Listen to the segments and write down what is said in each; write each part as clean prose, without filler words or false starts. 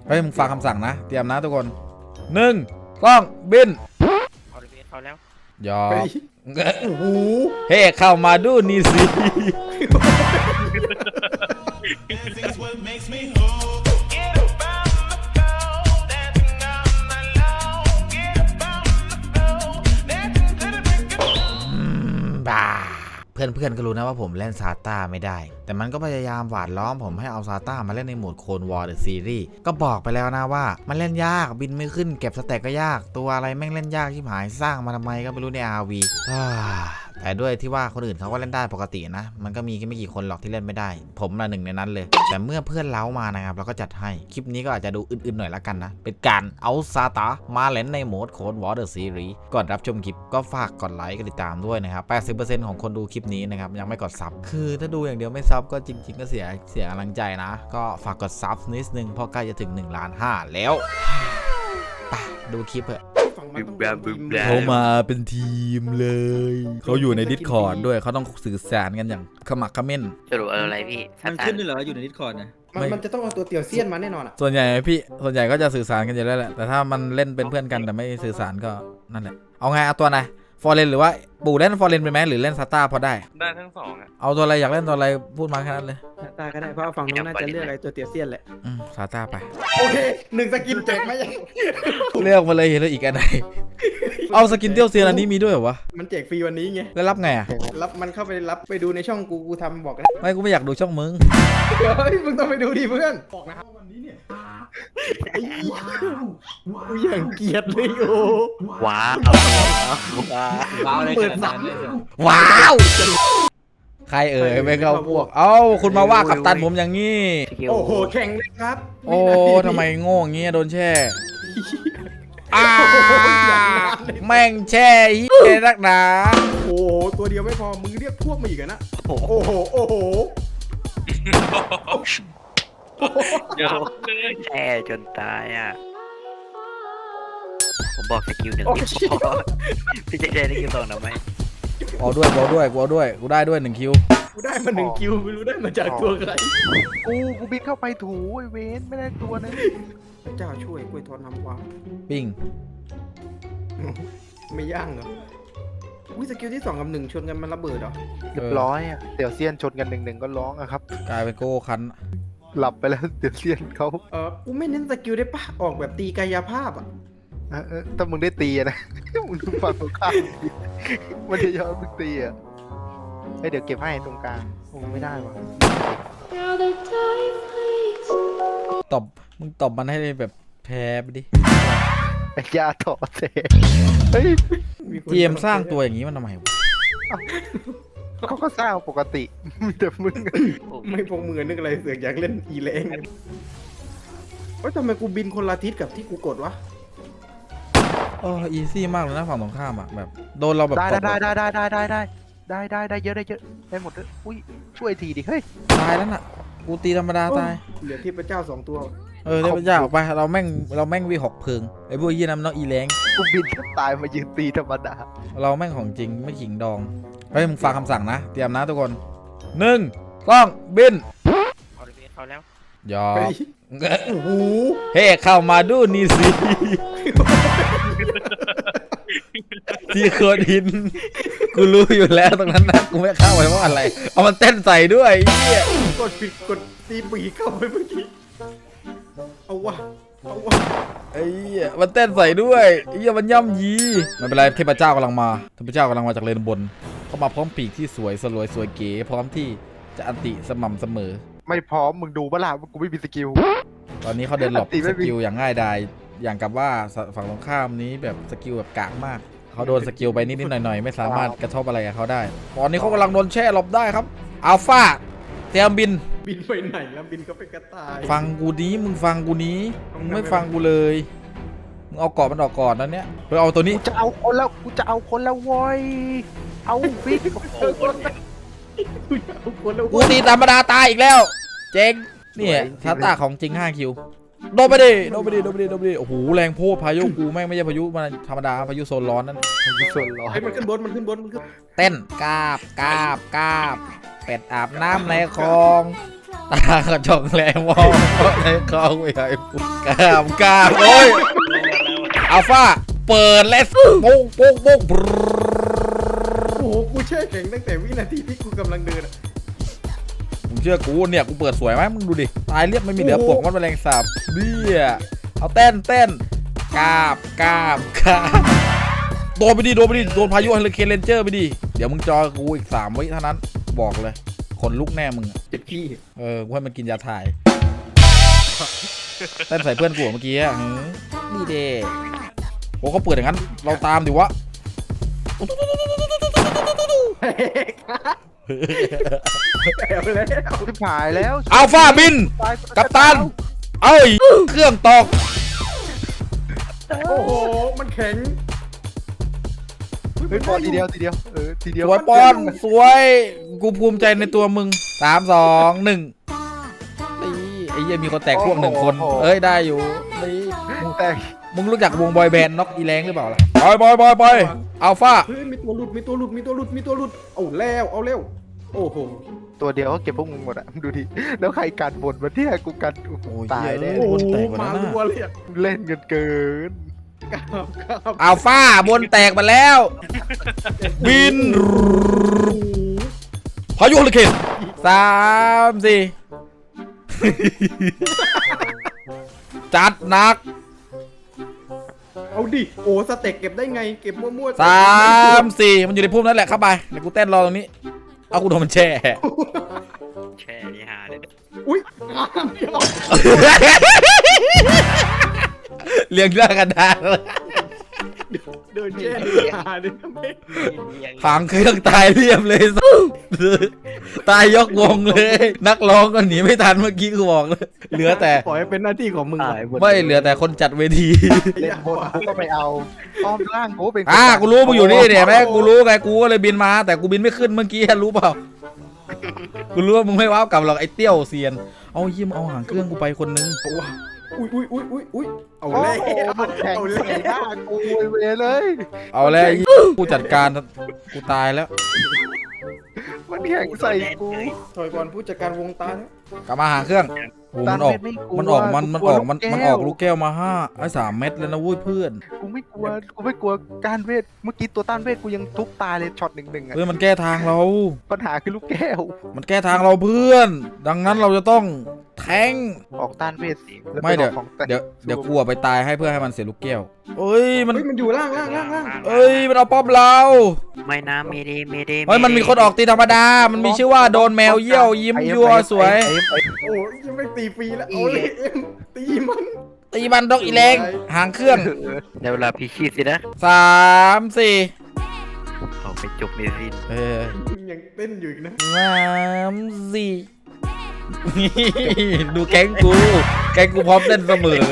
เฮ้ยมึงฟังคำสั่งนะเตรียมนะทุกคน1 2บินเอาแล้วยอมโอ้โหเฮ้เข้ามาดูนี่สิบ้าเพื่อนๆก็รู้นะว่าผมเล่นซาต้าไม่ได้แต่มันก็พยายามหวานล้อมผมให้เอาซาต้ามาเล่นในโหมดโคนวอร์เดอะซีรีส์ก็บอกไปแล้วนะว่ามันเล่นยากบินไม่ขึ้นเก็บสแต็กก็ยากตัวอะไรแม่งเล่นยากชิบหายสร้างมาทำไมก็ไม่รู้ใน RV แต่ด้วยที่ว่าคนอื่นเขาก็เล่นได้ปกตินะมันก็มีแค่ไม่กี่คนหรอกที่เล่นไม่ได้ผมละหนึ่งในนั้นเลยแต่เมื่อเพื่อนเล้ามานะครับเราก็จัดให้คลิปนี้ก็อาจจะดูอื่นๆหน่อยละกันนะเป็นการเอาซาต้ามาเล่นในโหมดโคนวอร์เดอะซีรีส์ก่อนรับชมคลิปก็ฝากกดไลค์กดติดตามด้วยนะครับ 80% ของคนดูคลิปนี้นะครับยังไม่กดซับคือถ้าดูอย่างเดียวไม่ซับก็จริงๆก็เสียกำลังใจนะก็ฝากกดซับนิดนึงเพราะใกล้จะถึง1.5 ล้านแล้วไปดูคลิปเถอะเขามาเป็นทีมเลยเขาอยู่ใน Discord ด้วยเขาต้องสื่อสารกันอย่างขมักเขม้นสรุปอะไรพี่มันขึ้นด้วยเหรออยู่ในดิสคอร์ดนะมันจะต้องเอาตัวเตี่ยวเซียนมาแน่นอนอ่ะส่วนใหญ่ก็จะสื่อสารกันอยู่แล้วแหละแต่ถ้ามันเล่นเป็นเพื่อนกันแต่ไม่สื่อสารก็นั่นแหละเอาไงเอาตัวไหนฟอร์เรนหรือว่าปู่เล่นฟอร์เรนไปไหมหรือเล่นซาต้าพอได้ทั้งสองอ่ะเอาตัวอะไรอยากเล่นตัวอะไรพูดมาแค่นั้นเลยตาก็ได้เพราะฝั่งนู้นน่าจะเลือกอะไรตัวเตี่ยวเซียนแหละซาต้าไปโอเค1 สกินแจกไหมยังเลือกมาเลยเห็นแล้วอีกอันไหนเอาสกินเตี้ยวเซียนอันนี้มีด้วยเหรอวะมันแจกฟรีวันนี้ไงแล้วรับไงอ่ะรับมันเข้าไปรับไปดูในช่องกูทำบอกกันไม่กูไม่อยากดูช่องมึงเฮ้ยมึงต้องไปดูดิเพื่อนบอกนะครับวันนี้เนี่ยกูอย่างเกลียดเลยโอ้ว้าวเลยเปิดสั่งว้าวใครไม่เข้าพวกเอ้าคุณมาว่ากัปตันผมอย่างงี้โอ้โหแข่งเลยครับโอ้ทำไมโง่อย่างงี้โดนแช่แม่งแช่เฮียนักหนาโอ้โหตัวเดียวไม่พอมึงเรียกพวกมาอีกนะโอ้โหโอ้โหแช่จนตายอ่ะผมบอกสกิล1คิวพอพี่จะได้คิว2หรือไม่เอาด้วยกูได้ด้วย1 คิวกูได้มา1 คิวไม่รู้ได้มาจากตัวใครกูบินเข้าไปถูไอเวนไม่ได้ตัวนึงเจ้าช่วยกล้วยทอดน้ำว้าปิ้งไม่ย่างเหรออุ้ยสกิลที่2 กับ 1ชนกันมันระเบิดเหรอเรียบร้อยอ่ะเดี๋ยวเซียนชนกัน1-1ก็ร้องอะครับกลายเป็นโก้คันหลับไปแล้วเดี๋ยวเซียนเขากูไม่เน้นสกิลได้ปะออกแบบตีกายภาพอ่ะถ้ามึงได้ตีนะมึงดูฝั่งตรงข้ามมันจะยอมมึงตีอ่ะเดี๋ยวเก็บให้ตรงกลางมึงไม่ได้วะมึงตบมันให้แบบแพ้ไปดิไอ้ยาถอดเสเฮ้ยเกมสร้างตัวอย่างนี้มันทำไมวะเขาก็สร้างปกติแต่มึงไม่พงมือนึกอะไรเสือกอยากเล่นอีแรงทำไมกูบินคนละทิศกับที่กูกดวะอีซี่มากเลยนะฝั่งตรงข้ามอ่ะแบบโดนเราแบบได้เยอะได้หมดเลยอุ้ยช่วยทีดิเฮ้ยตายแล้วน่ะกูตีธรรมดาตายเหลือที่พระเจ้า2 ตัวเทพเจ้าออกไปเราแม่งวี6 พึงไอ้พวกยี่น้ำน้องอีแรงกูบินแทบตายมายืนตีธรรมดาเราแม่งของจริงไม่ขิงดองเฮ้ยมึงฟังคำสั่งนะเตรียมนะทุกคน1 2บินเอาแล้วยอมโอ้โหเฮ้เข้ามาดูนี่สิที่โคดหินกูรู้อยู่แล้วตรงนั้นนะกูไม่เข้าไปเพราะอะไรเอามันเต้นใส่ด้วยเหี้ยกดผิดกดตีปีเข้าไปเมื่อกี้เอาวะไอ้เหี้ยมันเต้นใส่ด้วยไอ้เหี้ยมันย่ำยีไม่เป็นไรเทพเจ้ากำลังมาจากเลนบนเข้ามาพร้อมปีกที่สวยเก๋พร้อมที่จะอันติสม่ำเสมอไม่พร้อมมึงดูบ้าล่ะกูไม่มีสกิลตอนนี้เขาเดินหลบสกิลอย่างง่ายดายอย่างกับว่าฝั่งตรงข้ามนี้แบบสกิลแบบกากมากเขาโดนสกิลไปนิดหน่อยไม่สามารถกระทบอะไรกับเขาได้ตอนนี้เขากำลังโดนแช่หลบได้ครับอัลฟาเตรียมบินไปไหนแล้วบินเขาไปกระต่ายฟังกูนี้มึงฟังกูนี้มึงไม่ฟังกูเลยมึงเอากรอบมันออกก่อนนั่นเนี้ยเพื่อเอาตัวนี้กูจะเอาคนแล้วโว้ยเอาฟิกกูตีธรรมดาตายอีกแล้วเจ๊งเนี่ยซาต้าของจริง5 คิวโดนไปดิโอ้โหแรงโพดพายุกูแม่งไม่ใช่พายุมันธรรมดาพายุโซนร้อนนั่นพายุโซนร้อนมันขึ้นบนมันขึ้นเต้นกาบเป็ดอาบน้ำในคลองตากระจกแรงมองในคลองไม่ไหวกล้ามโอ้ยอัลฟาเปิดเลสโป๊กโป๊กโป๊กโอ้โหกูแช่แข็งตั้งแต่วินาทีที่กูกำลังเดินอะมึงเชื่อกูเนี่ยกูเปิดสวยไหมมึงดูดิตายเรียบไม่มีเหลือปกมันแมลงสาบเนี่ยเอาเต้นกราบโดนไปดิโดนพายุเฮลิเคนเรนเจอร์ไปดิเดี๋ยวมึงจอกูอีก3 วิเท่านั้นบอกเลยคนลุกแน่มึงเจ็บขี้กูให้มันกินยาถ่ายเต้นใส่เพื่อนกูเมื่อกี้อ่ะนี่เด้โอ้เขาเปิดอย่างนั้นเราตามดิวะเอาแล้วชิบหายแล้วอัลฟาบินกัปตันเอ้ยเครื่องตกโอ้โหมันแข็งเฮ้ยปอนทีเดียวทีเดียวทีเดียวสวยปอนสวยกูภูมิใจในตัวมึง3 2 1นี่ไอ้เหี้ยมีคนแตกพวก1 คนเอ้ยได้อยู่นี่แต่มึงรู้จักวงบอยแบนด์น็อกอีแรงหรือเปล่าล่ะบอยอัลฟาเฮ้ยมีตัวหลุดเอาแล้วโอ้โหตัวเดียวก็เก็บพวกมึงหมดอ่ะดูดิแล้วใครกันบนมาเนี่ยกูกันโอ้ยตายแน่โอ้โหบนแตกหมดมาแล้วรัวนะเลยอะเล่นกันเกินกราบอัลฟาบนแตกมาแล้ว บินพายุเฮลิเคน3 4 จัดหนักเอาดิโอ้สเต็กเก็บได้ไงเก็บมั่วๆ 3 4มันอยู่ในพุ่มนั่นแหละเข้าไปเดี๋ยวกูเต้นรอตรงนี้เอากูโดนมันแช่แช่นี่ฮาเลยอุ้ยเลี้ยงเรื่องกันได้เดินแช่หาดิทำไมหางเครื่องตายเรียบเลย ตายยกวงเลย นักร้องก็หนีไม่ทันเมื่อกี้กูบอกเลยเหลือแต่ปล่อยให้เป็นหน้าที่ของมึงไม่เหลือแต่คนจัดเวทีเล่นบนกูก็ไปเอาอ้อมล่างกูเป็นกูรู้มึงอยู่นี่เนี่ยแม่กูรู้ไงกูก็เลยบินมาแต่กูบินไม่ขึ้นเมื่อกี้รู้เปล่ากูรู้ว่ามึงไม่ว้าวกลับหรอกไอ้เตี้ยวเซียนเอายิ้มเอาหางเครื่องกูไปคนนึงอุ้ยเอาโอ้แล้วโหมันแข่งเอาใส่แล้วหน้ากูเวเลยเอาแล้วกูจัดการกูตายแล้วมันแข่งใส่กูถอยก่อนผู้จัดการวงตาเนี่ยกลับมาหางเครื่องโอ้มันออกมันออกลูกแก้วมา3 เม็ดแล้วนะวุ้ยเพื่อนกูไม่กลัวการเวทเมื่อกี้ตัวต้านเวทกูยังทุบตายเลยช็อต1-1อ่ะเพื่อนมันแก้ทางเราปัญหาคือลูกแก้วมันแก้ทางเราเพื่อน ดังนั้นเราจะต้องแทงออกต้านเวทแล้วไม่ปออกของแต่เดี๋ยวกลัวไปตายให้เพื่อให้มันเสียลูกแก้วเอ้ยมันเฮ้ยมันอยู่ล่างเอ้ยมันเอาป้อมเราไม่นะเมเดเฮ้ยมันมีคนออกตีธรรมดา มันมีชื่อว่าโดนแมวเยี่ยวยิ้มยั่วสวยโอ้ยยังไม่ตีฟรีแล้วเอาเลยเอ็มตีมันตีมันดอกอีแรงหางเครื่องในเวลาพี่ชีดสินะ 3 4 เอาไปจบในสิ้นยังเต้นอยู่อีกนะ 3 4 ดูแก๊งกูพร้อมเต้นเสมอ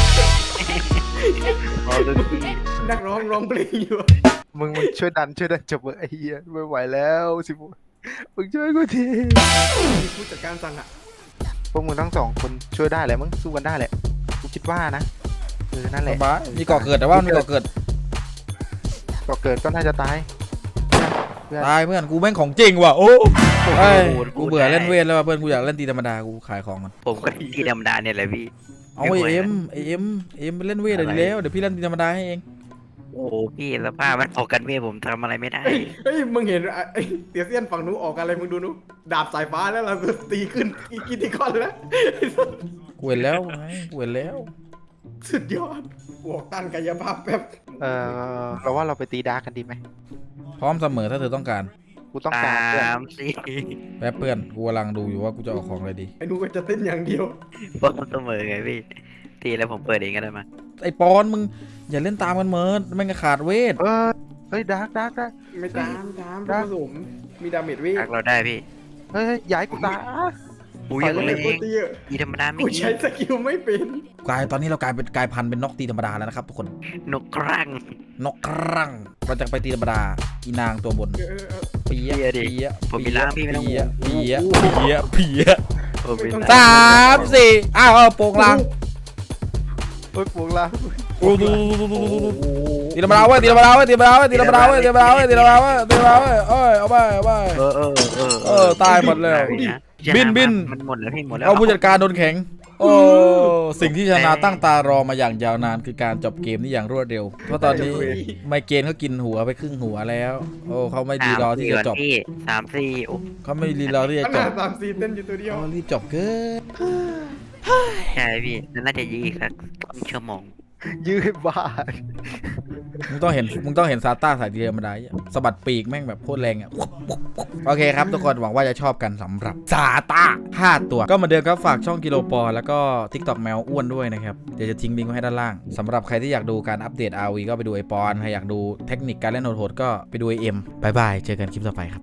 เอาตัวพี่นักร้องร้องเพลงอยู่มึงช่วยดันจบไอ้เหี้ยไม่ไหวแล้วสิมึงช่วยกูทีมีผู้จัดการสั่งอ่ะพวกมึงทั้ง2 คนช่วยได้แหละมึงสู้กันได้แหละกูคิดว่านะนั่นแหสละบายมีก่อเกิดแต่ว่ามีก่อเกิดก็เกิดก็น่าจะตายตายเพื่อนกูแม่งของจริงว่ะโอ้ยกูเบื่อเล่นเวทแล้วว่ะเพื่อนกูอยากเล่นตีธรรมดากูขายของมันผมก็ที่ธรรมดาเนี่ยแหละพี่เอาไอเอ็มไปเล่นเวทเลยดีแล้วเดี๋ยวพี่เล่นตีธรรมดาให้เองโอ้พี่สภาพมันออกกันเวทผมทำอะไรไม่ได้เฮ้ยมึงเห็นไอ้เตียเซียนฝั่งนู้นออกอะไรมึงดูนู้นดาบสายฟ้าแล้วเราตีขึ้นอีกกิติคอนแล้วกูเห็นแล้วไงกูเห็นแล้วสุดยอดบวกต้านกายภาพแบบเราว่าเราไปตีดาร์กกันดีไหมพร้อมเสมอถ้าเธอต้องการกูต้องการเพื่อน 3 4 แป๊บเพื่อนกูกำลังดูอยู่ว่ากูจะออกของอะไรดีไอ้นู้นก็จะเต้นอย่างเดียวป้อมเสมอไงพี่ตีแล้วผมเปิดเองก็ได้มาไอปอนมึงอย่าเล่นตามกันเหมินไม่งั้นขาดเวทเฮ้ยดาร์กได้ไม่ตามผสมมีดาเมจเวททักเราได้พี่เฮ้ยย้ายกูตายอุ้ยไปยังเลไม่ยเอโคงตรเตี้ยตีธรรมดาไม่กูยิใช้งสกิลไม่เป็นตอนนี้เรากลายพันธุ์เป็นนกตีธรรมดาแล้วนะครับทุกคนนกครั่งนกครั่งเราจะไปตีธรรมดาอีนางตัวบนเปียะผมมีล้างพี่ไม่ต้องห่วงเปียะผมมี 3 4อ้าวโป่งลางเฮ้ยปวงละตีธรรมดาเว้ยตีธรรมดาเว้ยเอ้ยเอาไปตายหมดแล้วบินมันหมดแล้วพี่หมดแล้วเอาผู้จัดการโดนแข็ง โอ้สิ่งที่ชนะตั้งตารอมาอย่างยาวนานคือการจบเกมนี้อย่างรวดเร็ว เพราะตอนนี้ไมเกรนเขากินหัวไปครึ่งหัวแล้ว โอ้เขาไม่รีรอที่จะจบพี่3-4โอ้เขาไม่รีรอที่จะขจนาบด3-4เต้นอยู่ตัวเดียวเขารีบจบเกินใช่พี่น่าจะยืดอีกสักชั่วโมงยืดบ้ามึงต้องเห็นซาต้าสายเดียวมาได้สะบัดปีกแม่งแบบโคตรแรงอ่ะโอเคครับทุกคนหวังว่าจะชอบกันสำหรับซาต้า5ตัวก็เหมาเดิมครับฝากช่องกิโลปอแล้วก็ TikTok แมวอ้วนด้วยนะครับเดี๋ยวจะทิ้งลิงก์ไว้ให้ด้านล่างสำหรับใครที่อยากดูการอัปเดต RV ก็ไปดูไอปอนใครอยากดูเทคนิคการเล่นโหดๆก็ไปดูไอเอ็มบายบายเจอกันคลิปต่อไปครับ